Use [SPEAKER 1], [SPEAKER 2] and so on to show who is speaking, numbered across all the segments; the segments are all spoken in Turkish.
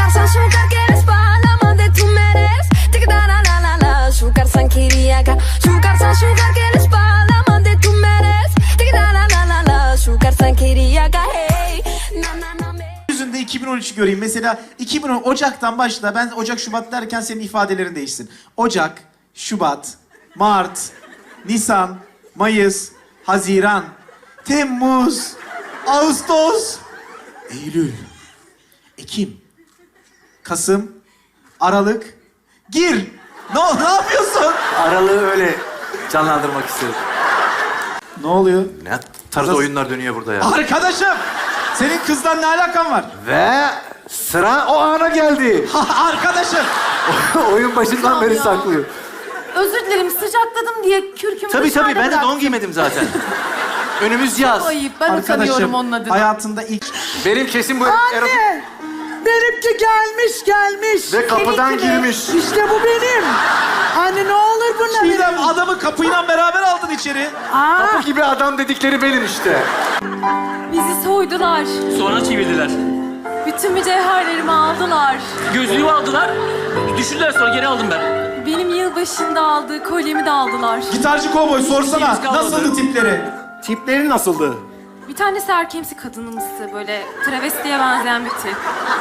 [SPEAKER 1] Şukarsan şukar quieres palama de tu meres. Tic da la la la la. Şukarsan kiriaka. Şukarsan şukar quieres palama de tu meres. Tic da la la la la. Şukarsan kiriaka. Hey. Na na na me.
[SPEAKER 2] Yüzünde 2013'ü göreyim. Mesela 2010 Ocak'tan başla. Ben Ocak, Şubat derken senin ifadelerin değişsin. Ocak, Şubat, Mart, Nisan, Mayıs, Haziran, Temmuz, Ağustos, Eylül, Ekim, Kasım, Aralık, gir. Ne yapıyorsun?
[SPEAKER 3] Aralığı öyle canlandırmak istedim.
[SPEAKER 2] Ne oluyor?
[SPEAKER 3] Ne tarz oyunlar dönüyor burada ya?
[SPEAKER 2] Arkadaşım, senin kızdan ne alakan var?
[SPEAKER 3] Ve sıra o ana geldi.
[SPEAKER 2] Arkadaşım.
[SPEAKER 3] Oyun başından beri saklıyor.
[SPEAKER 4] Özür dilerim, sıcakladım diye kürkümü
[SPEAKER 3] Tabii
[SPEAKER 4] dışarıda
[SPEAKER 3] ben de
[SPEAKER 4] bıraktım.
[SPEAKER 3] don giymedim zaten. Önümüz yaz.
[SPEAKER 4] Ayıp, ben utanıyorum onun adına.
[SPEAKER 2] Hayatında ilk...
[SPEAKER 3] Benim kesin bu
[SPEAKER 5] Anne! Benimki gelmiş.
[SPEAKER 3] Ve kapıdan
[SPEAKER 4] Seninki mi?
[SPEAKER 3] girmiş.
[SPEAKER 5] İşte bu benim. Anne ne olur bununla
[SPEAKER 2] Çiğdem,
[SPEAKER 5] benim.
[SPEAKER 2] adamı kapıyla beraber aldın içeri.
[SPEAKER 3] Kapı gibi adam dedikleri benim işte.
[SPEAKER 4] Bizi soydular.
[SPEAKER 6] Sonra çevirdiler.
[SPEAKER 4] Bütün mücevherlerimi aldılar.
[SPEAKER 6] Gözlüğümü aldılar. Düşürdüler sonra geri aldım ben.
[SPEAKER 4] Benim yılbaşında aldığı kolyemi de aldılar.
[SPEAKER 2] Gitarcı kovboy sorsana,
[SPEAKER 6] İkimiz kalmadı.
[SPEAKER 2] nasıldı tipleri?
[SPEAKER 3] Tipleri nasıldı?
[SPEAKER 4] Bir tanesi erkemsi kadınımsı, böyle travestiye benzeyen bir tip.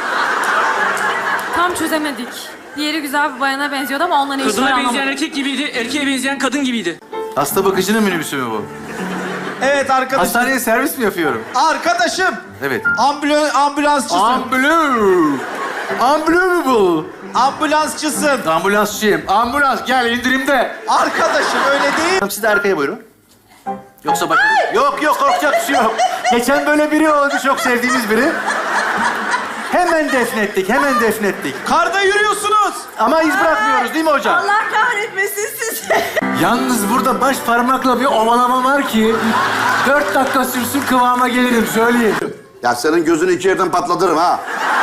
[SPEAKER 4] Tam çözemedik. Diğeri güzel bir bayana benziyordu ama onunla ne işi var
[SPEAKER 6] Kadına benzeyen
[SPEAKER 4] anlamadım.
[SPEAKER 6] erkek gibiydi, erkeğe benzeyen kadın gibiydi.
[SPEAKER 3] Hasta bakıcının minibüsü mü bu?
[SPEAKER 2] Evet arkadaşım.
[SPEAKER 3] Hastaneye servis mi yapıyorum?
[SPEAKER 2] Arkadaşım.
[SPEAKER 3] Evet.
[SPEAKER 2] Ambulansçısın.
[SPEAKER 3] Unbelievable.
[SPEAKER 2] Ambulansçısın.
[SPEAKER 3] Ambulansçıyım. Ambulans gel indirimde.
[SPEAKER 2] Arkadaşım öyle değil.
[SPEAKER 3] Siz de arkaya buyurun. Yoksa bak... Yok korkacak bir şey yok. Geçen böyle biri oldu, çok sevdiğimiz biri. Hemen defnettik.
[SPEAKER 2] Karda yürüyorsunuz.
[SPEAKER 3] Ama iz bırakmıyoruz değil mi hocam?
[SPEAKER 5] Allah kahretmesin sizi.
[SPEAKER 3] Yalnız burada baş parmakla bir ovalama var ki... 4 dakika sürsün kıvama gelirim, söyleyeyim.
[SPEAKER 7] Ya senin gözünü iki yerden patlatırım ha.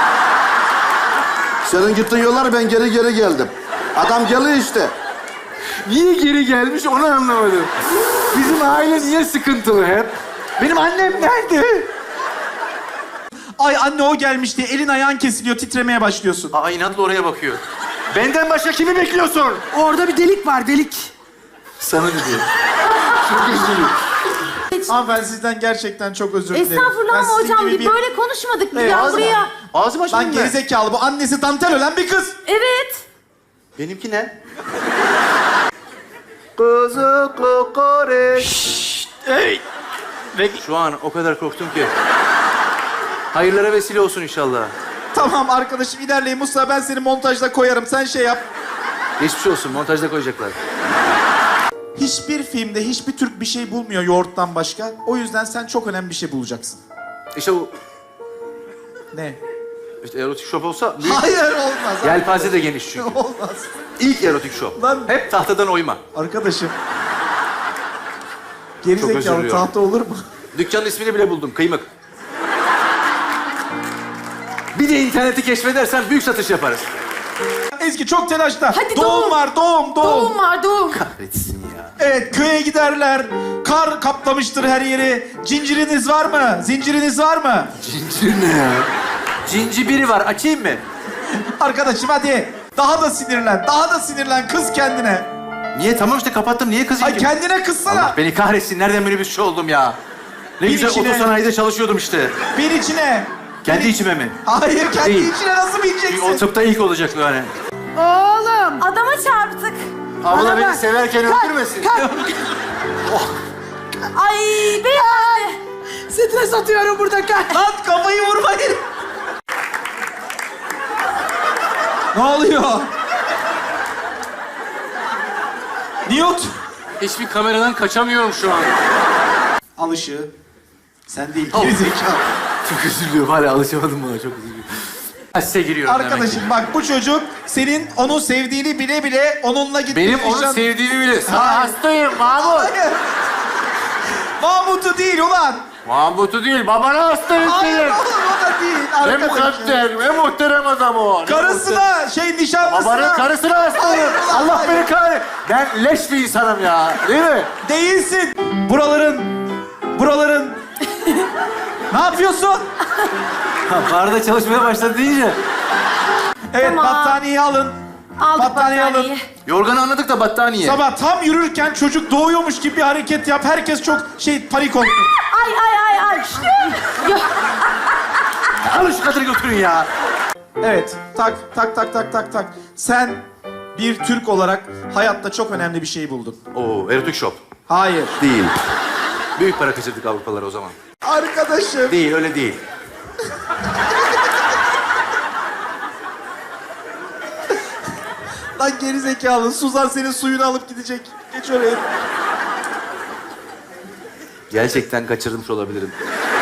[SPEAKER 7] Senin gittiğin yollar ben geri geldim. Adam geliyor işte.
[SPEAKER 3] Niye geri gelmiş onu anlamadım. Bizim aile niye sıkıntılı hep? Benim annem nerede?
[SPEAKER 2] Ay anne o gelmiş diye elin ayağın kesiliyor, titremeye başlıyorsun.
[SPEAKER 3] Aa inatla oraya bakıyor. Benden başka kimi bekliyorsun?
[SPEAKER 5] Orada bir delik var, delik.
[SPEAKER 3] Sana dedi. Çok üzülüyorum.
[SPEAKER 2] Ama ben sizden gerçekten çok özür dilerim.
[SPEAKER 4] Estağfurullah
[SPEAKER 2] Ben
[SPEAKER 4] ama
[SPEAKER 2] sizin
[SPEAKER 4] hocam
[SPEAKER 2] gibi
[SPEAKER 4] bir böyle konuşmadık.
[SPEAKER 2] Evet,
[SPEAKER 4] ya
[SPEAKER 2] ağzıma-
[SPEAKER 4] buraya.
[SPEAKER 3] Ağzım açmadım
[SPEAKER 2] Lan
[SPEAKER 3] ben.
[SPEAKER 2] gerizekalı, bu annesi dantel ölen bir kız.
[SPEAKER 4] Evet.
[SPEAKER 3] Benimki ne? Kuzu kokoreç. Hey! Şu an o kadar korktum ki. Hayırlara vesile olsun inşallah.
[SPEAKER 2] Tamam arkadaşım ilerleyin. Musa ben seni montajda koyarım. Sen şey yap.
[SPEAKER 3] Geçmiş olsun, montajda koyacaklar.
[SPEAKER 2] Hiçbir filmde hiçbir Türk bir şey bulmuyor yoğurttan başka. O yüzden sen çok önemli bir şey bulacaksın.
[SPEAKER 3] İşte o...
[SPEAKER 2] Ne?
[SPEAKER 3] İşte erotik şop olsa... Büyük...
[SPEAKER 2] Hayır olmaz.
[SPEAKER 3] Yelpaze de geniş çünkü.
[SPEAKER 2] Olmaz.
[SPEAKER 3] İlk erotik şop.
[SPEAKER 2] Lan-
[SPEAKER 3] Hep tahtadan oyma.
[SPEAKER 2] Arkadaşım.
[SPEAKER 3] Çok
[SPEAKER 2] Gerizekalı
[SPEAKER 3] özür diliyorum.
[SPEAKER 2] tahta olur mu?
[SPEAKER 3] Dükkanın ismini bile buldum, Kıymık. Bir de interneti keşfedersen büyük satış yaparız.
[SPEAKER 2] Ezgi çok telaşta.
[SPEAKER 4] Hadi
[SPEAKER 2] doğum
[SPEAKER 4] doğum.
[SPEAKER 2] var, doğum.
[SPEAKER 4] Doğum var, doğum.
[SPEAKER 3] Kahretsin ya.
[SPEAKER 2] Evet, köye giderler. Kar kaplamıştır her yeri. Cinciriniz var mı? Zinciriniz var mı?
[SPEAKER 3] Cincir ne ya? Cinci biri var, açayım mı?
[SPEAKER 2] Arkadaşım hadi. Daha da sinirlen. Kız kendine.
[SPEAKER 3] Niye? Tamam işte kapattım. Niye kızayım
[SPEAKER 2] Ay
[SPEAKER 3] ki?
[SPEAKER 2] kendine kızsana.
[SPEAKER 3] Allah beni kahretsin. Nereden minibüsçü oldum ya? Ne
[SPEAKER 2] Bir
[SPEAKER 3] güzel
[SPEAKER 2] içine-
[SPEAKER 3] otosanayide çalışıyordum işte.
[SPEAKER 2] Bir içine.
[SPEAKER 3] Kendi içime mi?
[SPEAKER 2] Hayır, kendi
[SPEAKER 3] Değil.
[SPEAKER 2] içine nasıl bineceksin?
[SPEAKER 3] O tıpta ilk olacak yani.
[SPEAKER 5] Oğlum.
[SPEAKER 4] Adama çarptık.
[SPEAKER 3] Abla
[SPEAKER 5] Bana
[SPEAKER 3] beni
[SPEAKER 5] bak.
[SPEAKER 3] severken öldürmesin.
[SPEAKER 4] Ay beyefendi.
[SPEAKER 5] Stres atıyorum burada, kalk.
[SPEAKER 2] Lan kafayı vurmayın. Ne oluyor? Newt.
[SPEAKER 3] Hiçbir kameradan kaçamıyorum şu an.
[SPEAKER 2] Al ışığı. Sen değil,
[SPEAKER 3] Al.
[SPEAKER 2] gerizekalı.
[SPEAKER 3] Çok üzülüyorum. Hala alışamadım buna. Çok üzülüyorum. Size giriyorum demek ki.
[SPEAKER 2] Arkadaşım bak bu çocuk senin onu sevdiğini bile bile onunla gitmiş.
[SPEAKER 3] Benim onu sevdiğimi bile. Sana hastayım Mahmut.
[SPEAKER 2] Hayır. Mahmut'u değil ulan.
[SPEAKER 3] Mahmut'u değil, babana hastayım
[SPEAKER 2] Hayır
[SPEAKER 3] senin.
[SPEAKER 2] oğlum o da değil.
[SPEAKER 3] Ne
[SPEAKER 2] Arkadaşım.
[SPEAKER 3] mukadder, ne muhterem adam o.
[SPEAKER 2] Karısına, nişanlısına.
[SPEAKER 3] Babanın karısına hastayım.
[SPEAKER 2] Hayır, ulan,
[SPEAKER 3] Allah
[SPEAKER 2] hayır.
[SPEAKER 3] beni kahretsin. Ben leş bir insanım ya. Değil mi?
[SPEAKER 2] Değilsin. Buraların. Ne yapıyorsun?
[SPEAKER 3] Barda çalışmaya başladı deyince.
[SPEAKER 2] Evet,
[SPEAKER 4] Tamam.
[SPEAKER 2] battaniyeyi alın.
[SPEAKER 4] Aldık
[SPEAKER 2] Battaniye alın.
[SPEAKER 4] battaniyeyi.
[SPEAKER 3] Yorganı anladık da battaniye.
[SPEAKER 2] Sabah tam yürürken çocuk doğuyormuş gibi bir hareket yap. Herkes çok panik oldu.
[SPEAKER 4] Ay.
[SPEAKER 3] Alın şu kadını götürün ya.
[SPEAKER 2] Evet, tak. Sen bir Türk olarak hayatta çok önemli bir şey buldun.
[SPEAKER 3] Oo, erotik shop.
[SPEAKER 2] Hayır.
[SPEAKER 3] Değil. Büyük para kaçırdık Avrupalılara o zaman.
[SPEAKER 2] Arkadaşım.
[SPEAKER 3] Değil, öyle değil.
[SPEAKER 2] Lan gerizekalı. Suzan senin suyunu alıp gidecek. Geç oraya.
[SPEAKER 3] Gerçekten kaçırmış olabilirim.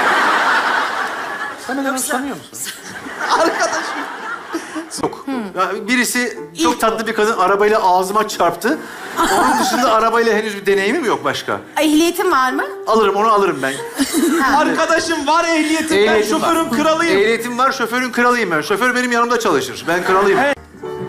[SPEAKER 3] Sen beni tanıyor musun?
[SPEAKER 2] Arkadaşım.
[SPEAKER 3] Yok. Ya birisi çok tatlı bir kadın arabayla ağzıma çarptı. Onun dışında arabayla henüz bir deneyimim yok başka.
[SPEAKER 4] Ehliyetin var mı?
[SPEAKER 3] Alırım, onu alırım ben.
[SPEAKER 2] Arkadaşım var ehliyetim. Ben
[SPEAKER 3] Ehliyetim
[SPEAKER 2] şoförün
[SPEAKER 3] var.
[SPEAKER 2] kralıyım.
[SPEAKER 3] Ehliyetim var, şoförün kralıyım ben. Şoför benim yanımda çalışır. Ben kralıyım.
[SPEAKER 2] Evet.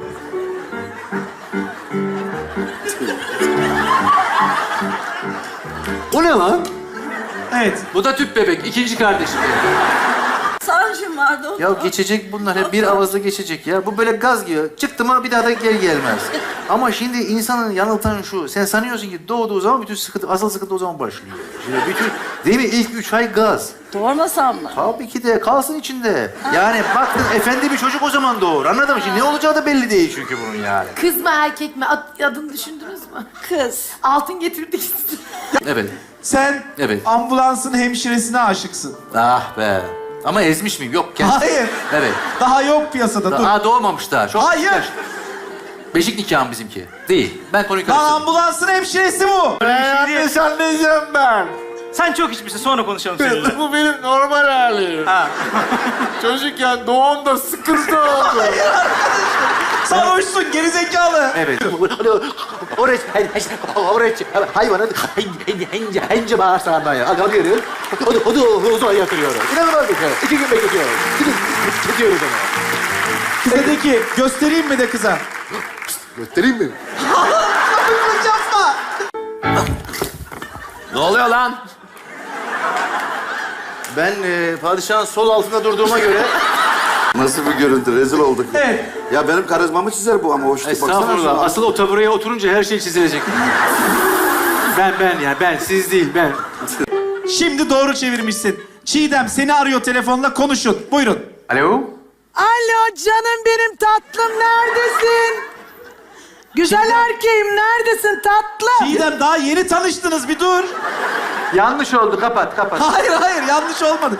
[SPEAKER 3] O ne lan?
[SPEAKER 2] Evet.
[SPEAKER 3] Bu da tüp bebek, ikinci kardeşim benim.
[SPEAKER 5] Sancım vardı o.
[SPEAKER 3] Ya geçecek bunlar, hep bir avazda geçecek ya. Bu böyle gaz gibi. Çıktı mı bir daha da geri gelmez. Ama şimdi insanın yanıltan şu. Sen sanıyorsun ki doğduğu zaman bütün sıkıntı, asıl sıkıntı o zaman başlıyor. Şimdi bütün, değil mi? İlk 3 ay gaz.
[SPEAKER 5] Doğurmasam mı?
[SPEAKER 3] Tabii ki de kalsın içinde. Yani baktın efendi bir çocuk o zaman doğur. Anladın mı? Şimdi ne olacağı da belli değil çünkü bunun yani.
[SPEAKER 4] Kız mı erkek mi? Adını düşündünüz mü?
[SPEAKER 5] Kız.
[SPEAKER 4] Altın getirdik size.
[SPEAKER 3] Evet.
[SPEAKER 2] Sen
[SPEAKER 3] Evet.
[SPEAKER 2] ambulansın hemşiresine aşıksın.
[SPEAKER 3] Ah be. Ama ezmiş miyim? Yok.
[SPEAKER 2] Hayır.
[SPEAKER 3] Evet.
[SPEAKER 2] Daha yok piyasada. Dur.
[SPEAKER 3] Aa, doğmamış daha. Çok
[SPEAKER 2] Hayır.
[SPEAKER 3] küçükler. Beşik nikahım bizimki. Değil. Ben konuyu
[SPEAKER 2] Lan
[SPEAKER 3] karıştırdım.
[SPEAKER 2] ambulansın hemşiresi bu.
[SPEAKER 3] Yanlış anlayacağım ben.
[SPEAKER 6] Sen çok içmişsin, sonra konuşalım seninle.
[SPEAKER 3] Bu benim normal halim. Çocukken doğumda sıkıntı oldu.
[SPEAKER 2] Sarhoşsun gerizekalı.
[SPEAKER 3] Evet. Oraya hayvanın hence bağırsağından ya. Alıyoruz. O da uzağa yatırıyoruz. İnanılmaz bir şey. 2 gün bekletiyoruz. Gidiyoruz ona.
[SPEAKER 2] Kıza de ki göstereyim mi de kıza?
[SPEAKER 3] Göstereyim mi?
[SPEAKER 2] Yapma.
[SPEAKER 3] Ne oluyor lan? Ben padişahın sol altında durduğuma göre...
[SPEAKER 7] Nasıl bir görüntü? Rezil olduk.
[SPEAKER 2] Evet.
[SPEAKER 7] Ya benim karizmamı çizer bu ama hoş değil. Baksana
[SPEAKER 3] Estağfurullah.
[SPEAKER 7] şuna.
[SPEAKER 3] Asıl o tabureye oturunca her şey çizilecek. Ben, siz değil, ben.
[SPEAKER 2] Şimdi doğru çevirmişsin. Çiğdem seni arıyor telefonla konuşun. Buyurun.
[SPEAKER 3] Alo?
[SPEAKER 5] Alo canım benim tatlım neredesin? Güzel erkeğim neredesin tatlım?
[SPEAKER 2] Çiğdem daha yeni tanıştınız bir dur.
[SPEAKER 3] Yanlış oldu, kapat.
[SPEAKER 2] Hayır yanlış olmadı.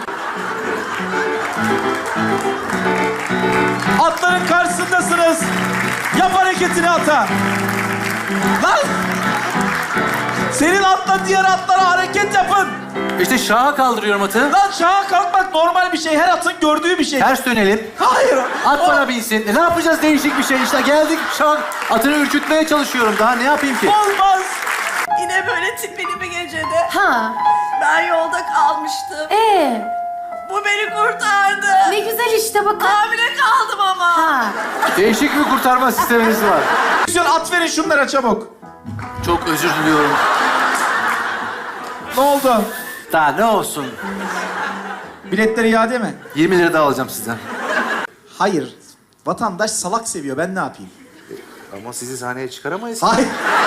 [SPEAKER 2] Atların karşısındasınız. Yap hareketini ata. Lan! Senin atla diğer atlara hareket yapın.
[SPEAKER 3] İşte şaha kaldırıyorum atı.
[SPEAKER 2] Lan şaha kalkmak normal bir şey. Her atın gördüğü bir şey.
[SPEAKER 3] Ters dönelim.
[SPEAKER 2] Hayır.
[SPEAKER 3] At bana binsin. Ne yapacağız değişik bir şey işte. Geldik şah. Atını ürkütmeye çalışıyorum. Daha ne yapayım ki?
[SPEAKER 2] Olmaz.
[SPEAKER 5] Yine böyle tipili bir gecede
[SPEAKER 4] Ha.
[SPEAKER 5] ben yolda kalmıştım. Bu beni kurtardı.
[SPEAKER 4] Ne güzel işte bakın.
[SPEAKER 5] Hamile kaldım ama.
[SPEAKER 4] Ha.
[SPEAKER 3] Değişik bir kurtarma sisteminiz var.
[SPEAKER 2] At verin şunlara çabuk.
[SPEAKER 3] Çok özür diliyorum.
[SPEAKER 2] Ne oldu?
[SPEAKER 3] Daha ne olsun?
[SPEAKER 2] Biletleri iade mi?
[SPEAKER 3] 20 lira daha alacağım sizden.
[SPEAKER 2] Hayır. Vatandaş salak seviyor. Ben ne yapayım?
[SPEAKER 3] Ama sizi sahneye çıkaramayız.
[SPEAKER 2] Hayır.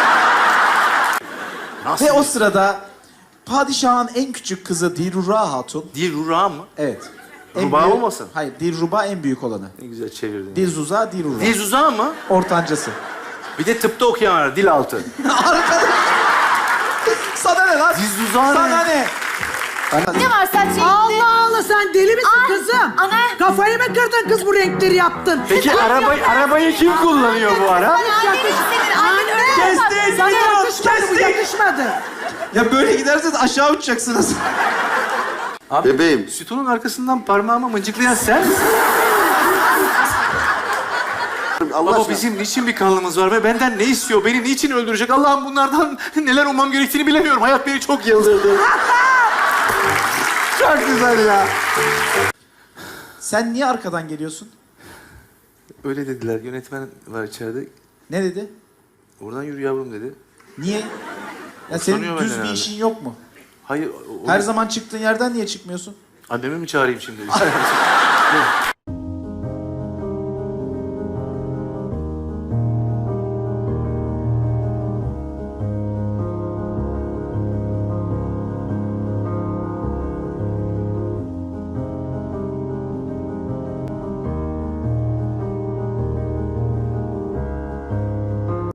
[SPEAKER 3] Nasıl?
[SPEAKER 2] Ve o sırada padişahın en küçük kızı Dilruba Hatun.
[SPEAKER 3] Dilruba mı?
[SPEAKER 2] Evet.
[SPEAKER 3] Ruba olmasın?
[SPEAKER 2] Hayır, Dilruba en büyük olanı.
[SPEAKER 3] Ne güzel çevirdin.
[SPEAKER 2] Dilzuza, Dilruba.
[SPEAKER 3] Dizuza mı?
[SPEAKER 2] Ortancası.
[SPEAKER 3] Bir de tıpta okuyan var. Dil altı.
[SPEAKER 2] Arkadaş. Sana ne lan?
[SPEAKER 3] Dilzuza ne?
[SPEAKER 2] Sana ne?
[SPEAKER 4] Ne var sen şey?
[SPEAKER 5] Allah Allah sen deli misin
[SPEAKER 4] Ay,
[SPEAKER 5] kızım?
[SPEAKER 4] ana.
[SPEAKER 5] Kafayı mı kırdın kız bu renkleri yaptın?
[SPEAKER 3] Peki arabayı kim kullanıyor bu ara?
[SPEAKER 4] Annen senin annen öyle yapar.
[SPEAKER 2] Kestik,
[SPEAKER 5] Sana
[SPEAKER 2] gidiyoruz,
[SPEAKER 5] yakışmadı bu
[SPEAKER 2] kestik.
[SPEAKER 5] yakışmadı.
[SPEAKER 2] Ya böyle giderseniz aşağı uçacaksınız.
[SPEAKER 7] Bebeğim.
[SPEAKER 3] Sütunun arkasından parmağımı mıncıklayan sen misin?
[SPEAKER 7] Allah
[SPEAKER 3] Baba
[SPEAKER 7] aşkına.
[SPEAKER 3] bizim niçin bir kanlımız var ve benden ne istiyor? Beni niçin öldürecek? Allah'ım bunlardan neler ummam gerektiğini bilemiyorum. Hayat beni çok yıldırdı. Çok güzel ya.
[SPEAKER 2] Sen niye arkadan geliyorsun?
[SPEAKER 3] Öyle dediler. Yönetmen var içeride.
[SPEAKER 2] Ne dedi?
[SPEAKER 3] Oradan yürü yavrum dedi.
[SPEAKER 2] Niye? Ya
[SPEAKER 3] Hoşlanıyor
[SPEAKER 2] senin
[SPEAKER 3] benden
[SPEAKER 2] düz bir
[SPEAKER 3] herhalde.
[SPEAKER 2] işin yok mu?
[SPEAKER 3] Hayır.
[SPEAKER 2] Her zaman çıktığın yerden niye çıkmıyorsun?
[SPEAKER 3] Annemi mi çağırayım şimdi?